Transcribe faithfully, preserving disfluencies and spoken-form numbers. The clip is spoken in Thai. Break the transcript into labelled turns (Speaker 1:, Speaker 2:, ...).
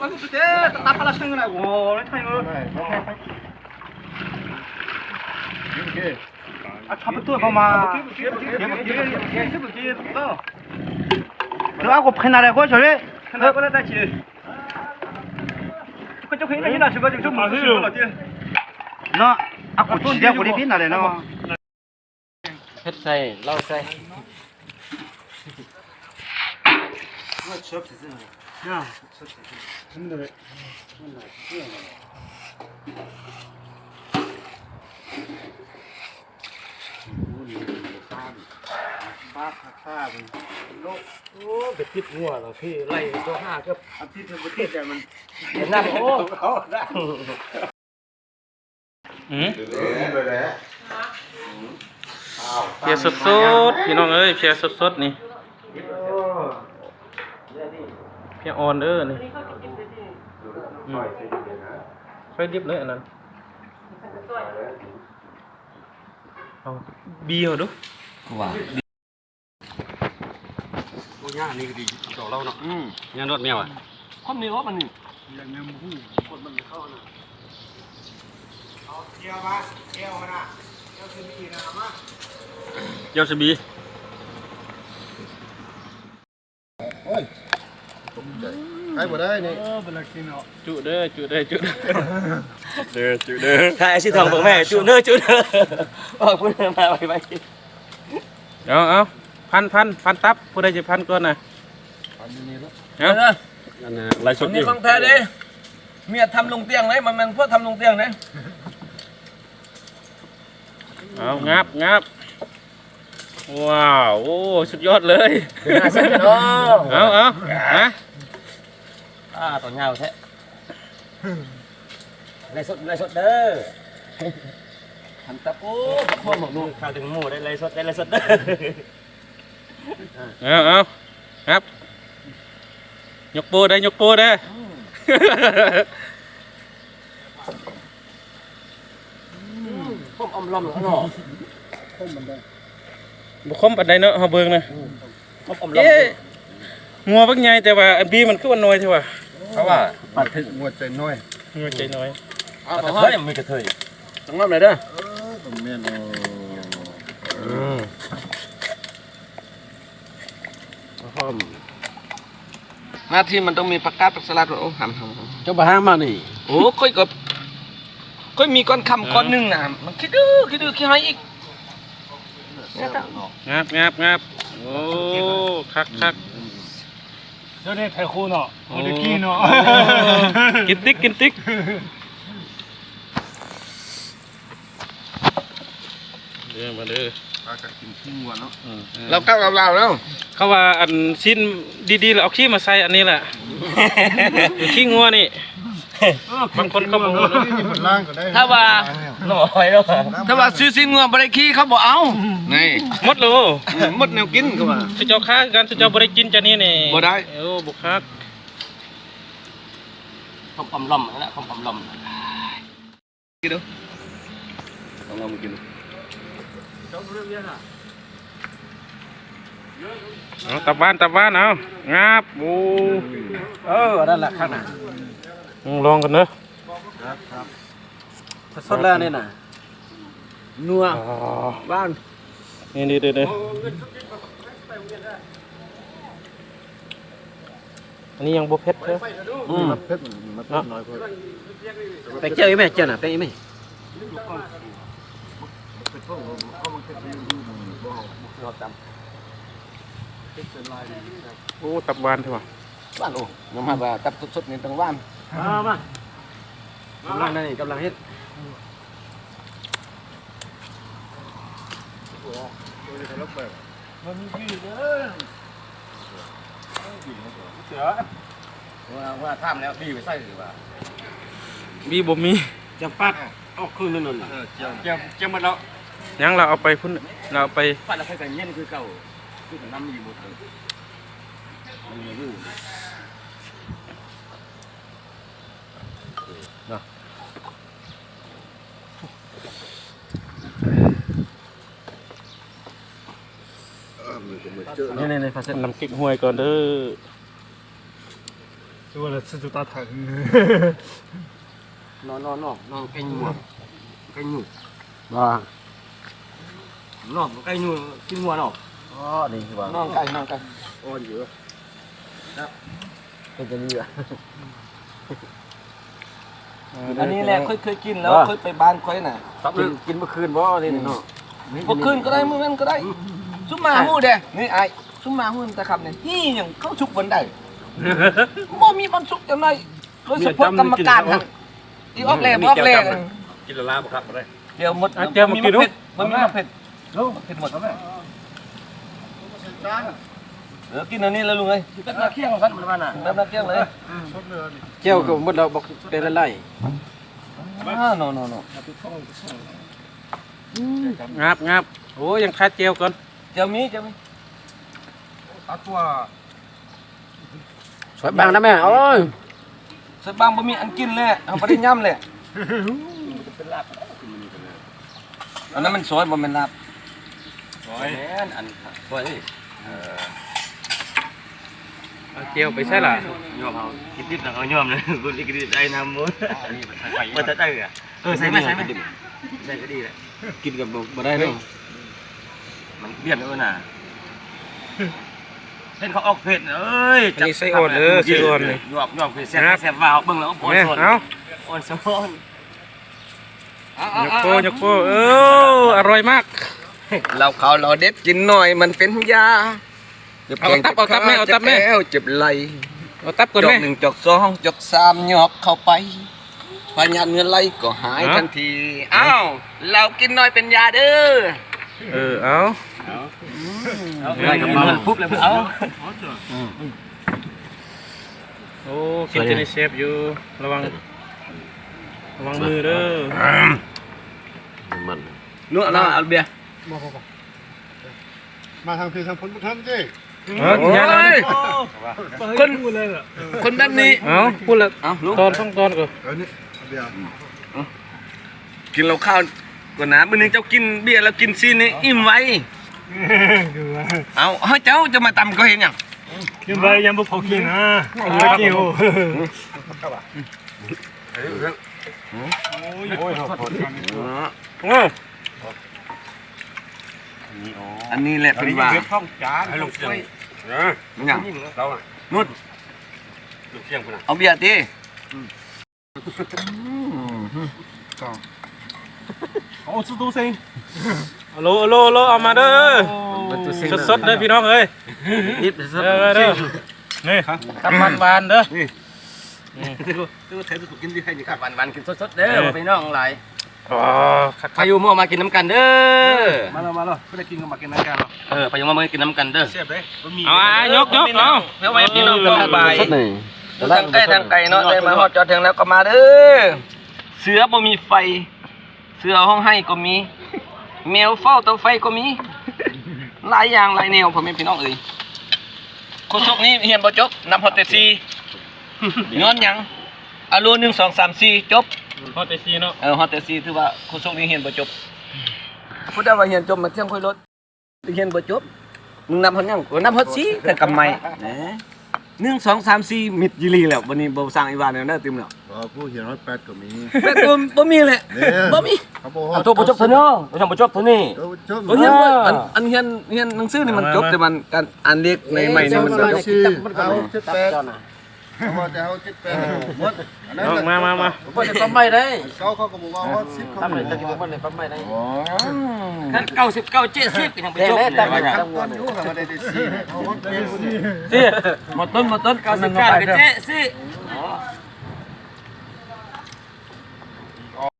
Speaker 1: มันสุดเจ๊ตับปลาซึ่งอะไรโอ้ยใช่เลยโอเคอ่ะชอบตัวเข้ามาเดี๋ยวเดี๋ยวเดี๋ยวเดี๋ยวเดี๋ยวเดี๋ยวเออเดี๋ยวaku pernah ada kau curi pernah kau ada curi kau cakap ini nak cuba cuba musuh cuba dia no aku tidak boleh pin ada no
Speaker 2: เฮ็ดใส่เหล้าใส่
Speaker 1: 야,
Speaker 3: 근데
Speaker 2: โอ้ไปติดงัวแล้วพี่ไล่ตัวห้าก็
Speaker 1: อาทิตย์นึงประเทศแต่มัน
Speaker 2: เห็นหน้าโอ้
Speaker 4: อืมเพียสดๆพี่น้องเอ้ยเพียสดๆนี่เพียอ่อนเด้อนี่อืมค่อยดิบเลยอันนั้นเอาบีเอาดู
Speaker 2: ว่า
Speaker 1: โอ้ยนี่ก็ดีต่อเราเนาะอืมยานรถแมวอ่ะคนนี้ว่ามันนี่ยังแมวหูคนมันเข้าน่ะเอาเกี่ยวมาเกี่ยวมาน่ะเกี่ยวซีบีนะมาเกี่ยวซีบี
Speaker 3: ใครบ่ได้นี่
Speaker 4: จุเด้อจุเด้อจุเด้อ
Speaker 1: เด้อจุเด้อ
Speaker 2: ถ้าไอ้สิทองของแม่จุเน้อจุเน้อบอกพูดมาไปไป
Speaker 4: เอาเอาพันพันพันตับผู้ใดจะพันก่อนน่ะเอา
Speaker 1: นั่นน่ะไล่สด
Speaker 2: นี่ของแท้ดิเมียทำลงเตียงไหนมันมันพวกทำลงเตียงไหน
Speaker 4: เอางับงับว้าวโอ้สุดยอดเลย
Speaker 2: น่าเสียเนาะ
Speaker 4: เอาเอาฮะ
Speaker 2: อ่าตัวเงาแท้ไล่สดไล่สดเด้อทำตะปูพ่อหมกลูกข้าวถึงหมูได้ไล่สดได้ไล่สดเด้อ
Speaker 4: เอาเอาครับยกโป้ได้ยกโป้ได้
Speaker 2: พ่อมอมลอมเนาะ
Speaker 4: บุคคลปัดใดเนาะเฮาเบิ่งนะ
Speaker 2: พ่อมอมลอม
Speaker 4: เอ๊ะงัวบักใหญ่แต่ว่าอันบีมันคือว่าน้อยเท่าว่า
Speaker 2: เพราะว่า
Speaker 3: ปัดถึงงวดใจน้อย
Speaker 4: งัวใจน้อย
Speaker 2: เอากระเทยมันมีกระเทยต้องงามเลยเด้อ
Speaker 3: ต้องแม่น
Speaker 2: อืมหน้าที่มันต้องมีผักกาดผักสลัดโอ้หำหำ
Speaker 3: เจ้าบ่ห้ามมานี่
Speaker 2: โอ้ค่อยก็ค่อยมีก้อนคำก้อนหนึ่งนะมันคิดดื้อคิดดื้อคิดให้อีก
Speaker 4: งับงับงับโอ้คักคัก
Speaker 1: เจ้าเนี่ยไทยคูเนาะโอ้ยกี้เนาะ
Speaker 4: กินติ๊กกินติ๊กเด้อมาเด้อ
Speaker 3: ปลากัดกินขี้งัวเนาะ
Speaker 2: เราก้าวเราแล้ว
Speaker 4: เขาว่าอันชิ้นดีๆแล้วเอาขี้มาใส่อันนี้แหละขี้งัวนี่บางคนเขาบอกว่า
Speaker 3: นี่มันล่างก็ได้
Speaker 2: ถ้าว่าหน่อยแล้วถ้าว่าซื้อซินงัวบริคีเขาบอกเอานี่
Speaker 4: หมดเลย
Speaker 2: มดแนวกินเขาว่า
Speaker 4: สุเจ้าค้ากันสุเจ้าบริกินจานนี้นี่
Speaker 2: บ่ได้
Speaker 4: โอ้บุคัก
Speaker 2: ข้าวปอมลอมนั่นแหละข้าวปอมลอมกินดูลองลองมากินดู
Speaker 4: เอาตับบ้านตับบ้านเอางับโอ้
Speaker 2: เออนั่นแหละข้างหน้า
Speaker 4: ลองกันเนอะ
Speaker 2: สดแล้วนี่น่ะนัว
Speaker 4: อ๋อ
Speaker 2: บ้าน
Speaker 4: นี่นี่เด้อเด้ออันนี้ยังบ่เผ็ดเด้อ
Speaker 2: อืม
Speaker 3: เผ็ดมันเผ็ดน้อยพอ
Speaker 2: ไปเจอไหมเจอน่ะไปไหม
Speaker 4: โอ้ตับบ้านเถอะว่ะ
Speaker 2: บ้านโอ้ยังมาว่าตับสดๆนี่ต้องบ้านมามากำลังนั่นนี่กำลังเฮ็ด ว่าว่าท่ามแล้วดีไปใส่หรือว่า
Speaker 4: บีบ่มี
Speaker 2: จะปัดออกคืนนั่นน่ะ
Speaker 1: เจ้าเจ้ามาแล้ว
Speaker 4: ยังเราเอาไปพุ่นเราเอาไป
Speaker 2: ปัดแล้วใครใส่เงี้ยคือเก่าคือน้ำมีหมดเลยมันมีอยู่เนาะ นี่นี่นี่ฟาเซ็ต
Speaker 4: น้ำกิ๊กห้วยก่อนเด้อ
Speaker 1: 为了吃就打疼。
Speaker 2: นอนนอนนอนนอนไก่หนูไก่หนู
Speaker 3: ว่าน
Speaker 2: อนไก่หนูกินหัวเนาะ
Speaker 3: อ๋อนี่ว่าน
Speaker 2: อนไก่นอนไก่
Speaker 3: อ่อนอยู่
Speaker 2: เป็นจะนี่อ่ะอันนี้แหละเคยเคยกินแล้วเคยไปบ้านค่อยน่ะ
Speaker 3: กินกินเมื่อคืนบ่นี่เนาะ
Speaker 2: เมื่อคืนก็ได้เมื่อนั้นก็ได้ซุมมาฮู้เด้นี่ไอ้ซุมมาฮู้แต่คำเนี่ยฮี่หยังเข้าชุกวันใดบ่มีบรรสุกจังไดโดยเฉพาะกรรมการหั่นอีออกแลออกแล
Speaker 3: กินละลาบ่ครับบ่ได้
Speaker 2: เดี๋ยวหมด
Speaker 4: เจียวมากินดู
Speaker 2: มันมีมะเผ็ดลูกเผ็ดหมดแล้วแม่เออกินอันนี้แล้วลุงเอ้ยเป็นน้ำเคี่ยงกันมันว่าน่ะเป็นน้ำเคี่ยงเลย
Speaker 3: เจ้าก็หมดเราบอกเป็นอะไร
Speaker 2: อ่าโนโนโน
Speaker 4: งับงับโอ้ยังคาเจียวก่อน
Speaker 2: เจ้ามีเจ้ามี
Speaker 1: 打多啊！
Speaker 3: สวยบางนะแม่โอ้ย
Speaker 2: สักบางบ่มีอันกินเลยเอาไปได้ย่ำเลยอันนั้นมันสวยบ่แม่นลาบสวยแม่นอันสวย
Speaker 4: เอาเจียวไปใช่ล่ะ
Speaker 2: ยอมเอาคิดดิบเอายอมเลยกูนี่ก็ดีได้น้ำมื้อมันจะได้อ่ะเออใส่ไหมใส่ไหมใส่ก็ดีแหละ
Speaker 3: กินกับบ่ได้เนาะ
Speaker 2: มันเบี้ยนเออน่ะเล่นเขาออกเผ็ดเอ้ย
Speaker 4: อันนี้ไส้อ่อนเด้อไส้อ่อนนี่
Speaker 2: หยวกหยวกเผ็ดแซ่บแซ่บวาวเบิ่งแล้วอ่อน
Speaker 4: เนี่ย
Speaker 2: สน
Speaker 4: เอา
Speaker 2: อ่อนสน
Speaker 4: ยกโป้ยกโป้เอออร่อยมาก
Speaker 2: เราเขาเราเด็ดกินหน่อยมันเป็นยา
Speaker 4: เอาตับเอาตับแม่เอาตับแม่
Speaker 2: จ็แจ็บไหล
Speaker 4: เอาตับก่อน
Speaker 2: จ
Speaker 4: ไหม
Speaker 2: กหนึ่งจกสองจกสามหยอกเข้าไปพยานเงินไหลก็หาย
Speaker 4: เอา
Speaker 2: ทันทีอ้าวเรากินหน่อยเป็นยาเด้อ
Speaker 4: เออเอา
Speaker 2: อะไรกับมันปุ๊บเลยเอา
Speaker 4: โอ้กินเจนี่เชฟอยู่ระวังระวังมือเด้อ
Speaker 3: มัน
Speaker 2: นู่นน่ะเอาเบียร์
Speaker 1: มาทางพี่ทางพ้นทำดิ
Speaker 4: เออกินยาแล้วนี่
Speaker 2: คนคนแบบนี้
Speaker 4: เอาพูดละ
Speaker 2: เอาลูก
Speaker 4: ตอนต้องตอนก่อน
Speaker 1: เออนี่เบียร์
Speaker 2: กินเราข้าวก่อนนะมื้อนึงเจ้ากินเบียร์แล้วกินซีนี่อิ่มไว้
Speaker 1: คือว่า
Speaker 2: เอาเฮ้ยเจ้าจะมาตำก็เห็นยัง
Speaker 1: กินไปยังบ่พอกินนะกินโอ้ยโอ้ยขอบคุณ
Speaker 4: โอ้
Speaker 2: อันนี้แหละเป็นว่า
Speaker 1: ท่องจานให้ลูกเสียง
Speaker 2: อย่าง
Speaker 1: เราอ่ะ
Speaker 2: นุ่น
Speaker 1: ลูกเสียงพุ่นน่ะ
Speaker 2: เอาเบียร์ดิ
Speaker 1: โอ้สุดตัวเซ็ง
Speaker 4: โลโลโลเอามาเด้อสดๆเด้อพี่น้องเอ้ย
Speaker 3: นิด
Speaker 4: เด้อเด้อนี่ตับมันหวานเด้อ
Speaker 2: ตัวเทปกินที่ใครนี่ครับวันวันกินสดๆเด้อพี่น้องหลาย
Speaker 4: อ๋อคัก
Speaker 2: พายุมั่วมากินน้ำกันเด้อ
Speaker 1: มาแล้วมาแล้วไม่ได้กินกันมากินน้ำกันหรอก
Speaker 2: เออพายุมั่วมากินน้ำกันเด้อ
Speaker 1: เสียบเลยมันมี
Speaker 4: เอาอ่ะยกยกเอา
Speaker 2: เพื่อไว้พี่น้องสบาย
Speaker 3: สดนี่
Speaker 2: ทางใกล้ทางไกลเนาะได้มาฮอดจอดถึงแล้วก็มาเด้อเสือบ่มีไฟ เสือห้องให้ก็มีแมวเฝ้าเตาไฟก็มีหลายอย่างหลายแนวพ่อแม่พี่น้องเอ้ยโคศกนี้เฮียนบ่จบนำฮอดแต่สี่ย้อนหยังอารูหนึ่งสองสามสี่จบ
Speaker 4: พอแต่ซีเนาะ
Speaker 2: เออฮอดแต่สี่ถือว่าโคศกนี้เฮียนบ่จบพูดได้ว่าเฮียนจบมาเที่ยงค่อยลดเฮียนบ่จบมึงนำฮอดหยังก็นำฮอดสี่แต่กำไมนะหนึ่งสองสามสี่มิดยีรีแล้ววันนี้บ่สร้างอีวานแล้วนะติมแล้ว
Speaker 3: อ๋อผู้เขียนว่าแปดก็มี
Speaker 2: แบบบ่บ่มีเลยบ่มี
Speaker 3: เขาบอก
Speaker 2: เอาตัวบ่จบเท่านี้บ่ทำบ่จบเท่านี้
Speaker 3: เออจบ
Speaker 2: เฮียนบ่อันอันเฮียนเฮียนหนังสือนี่มันจบแต่มันการอ่านเลขในใหม่นี่มันบ่จบ
Speaker 3: ชื่อเอาเจ็ดแปดเขาบอกจะเอาเจ็ดแปดหมดอันนั้น
Speaker 4: เอามามามา
Speaker 2: บ่จะปั๊มไม่ได้
Speaker 3: เขาเขาก็บอกว่าเขาสิบเขาบอกว่า อ๋อ
Speaker 2: คันเก้าสิบเก้า เจ็ดสิบก็ยังบ่จบ
Speaker 3: แต่ว่าขั้นตอนอยู่เขาไม่ได้ได้สี่เขาบอกเป็นสี่
Speaker 2: สิหมดต้นหมดต้นเก้าสิบเก้าก็เจ็ดสิ